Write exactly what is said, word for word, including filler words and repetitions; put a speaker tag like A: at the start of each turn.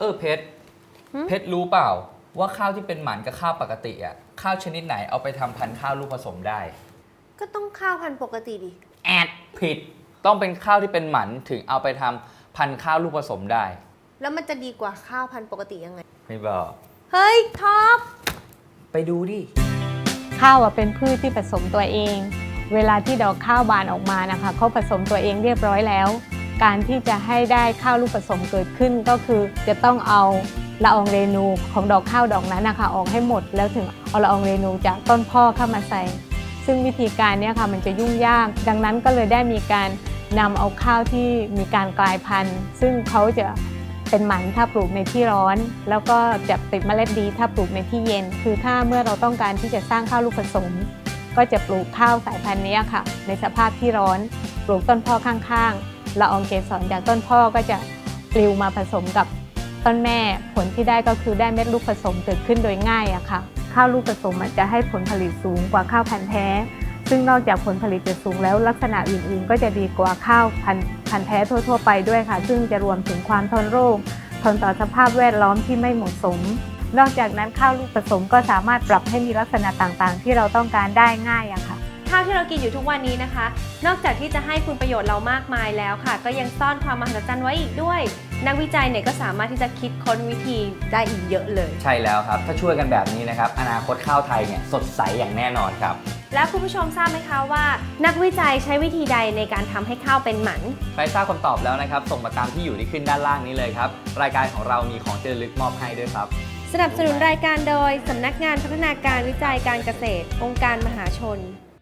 A: อเพชรเพชรรู้เปล่าว่าข้าวที่เป็นหมันกับข้าวปกติอ่ะข้าวชนิดไหนเอาไปทำพันธุ์ข้าวลูกผสมได้
B: ก็ต้องข้าวพันธุ์ปกติดิ
A: แอดผิดต้องเป็นข้าวที่เป็นหมันถึงเอาไปทำพันธุ์ข้าวลูกผสมได้
B: แล้วมันจะดีกว่าข้าวพันธุ์ปกติยังไง
A: ไม่บอก
B: เฮ้ยท็อป
A: ไปดูดิ
C: ข้าวเป็นพืชที่ผสมตัวเองเวลาที่ดอกข้าวบานออกมานะคะเขาผสมตัวเองเรียบร้อยแล้วการที่จะให้ได้ข้าวลูกผสมเกิดขึ้นก็คือจะต้องเอาละอองเรนูของดอกข้าวดอกนั้นนะคะออกให้หมดแล้วถึงเอาละอองเรนูจากต้นพ่อเข้ามาใส่ซึ่งวิธีการนี้ค่ะมันจะยุ่งยากดังนั้นก็เลยได้มีการนำเอาข้าวที่มีการกลายพันธุ์ซึ่งเขาจะเป็นหมันถ้าปลูกในที่ร้อนแล้วก็จะติดเมล็ดดีถ้าปลูกในที่เย็นคือถ้าเมื่อเราต้องการที่จะสร้างข้าวลูกผสมก็จะปลูกข้าวสายพันธุ์นี้ค่ะในสภาพที่ร้อนปลูกต้นพ่อข้างๆละอองเกสรจากต้นพ่อก็จะปลิวมาผสมกับต้นแม่ผลที่ได้ก็คือได้เม็ดลูกผสมเกิดขึ้นโดยง่ายอะค่ะข้าวลูกผสมมันจะให้ผลผลิตสูงกว่าข้าวพันธุ์แท้ซึ่งนอกจากผลผลิตจะสูงแล้วลักษณะอื่นๆก็จะดีกว่าข้าวพันธุ์พันธุ์แท้ทั่วๆไปด้วยค่ะซึ่งจะรวมถึงความทนโรคทนต่อสภาพแวดล้อมที่ไม่เหมาะสมนอกจากนั้นข้าวลูกผสมก็สามารถปรับให้มีลักษณะต่างๆที่เราต้องการได้ง่ายอะค่ะ
B: ข้าวที่เรากินอยู่ทุกวันนี้นะคะนอกจากที่จะให้คุณประโยชน์เรามากมายแล้วค่ะก็ยังซ่อนความมหัศจรรย์ไว้อีกด้วยนักวิจัยเนี่ยก็สามารถที่จะคิดค้นวิธีได้อีกเยอะเลย
A: ใช่แล้วครับถ้าช่วยกันแบบนี้นะครับอนาคตข้าวไทยเนี่ยสดใสอย่างแน่นอนครับ
B: แล้วคุณผู้ชมทราบไหมคะว่านักวิจัยใช้วิธีใดในการทำให้ข้าวเป็นหมัน
A: ใครทราบคำตอบแล้วนะครับส่งมาตามที่อยู่ที่ขึ้นด้านล่างนี้เลยครับรายการของเรามีของที่ระลึกมอบให้ด้วยครับ
B: สนับสนุนรายการโดยสำนักงานพัฒนาการวิจัยการเกษตรองค์การมหาชน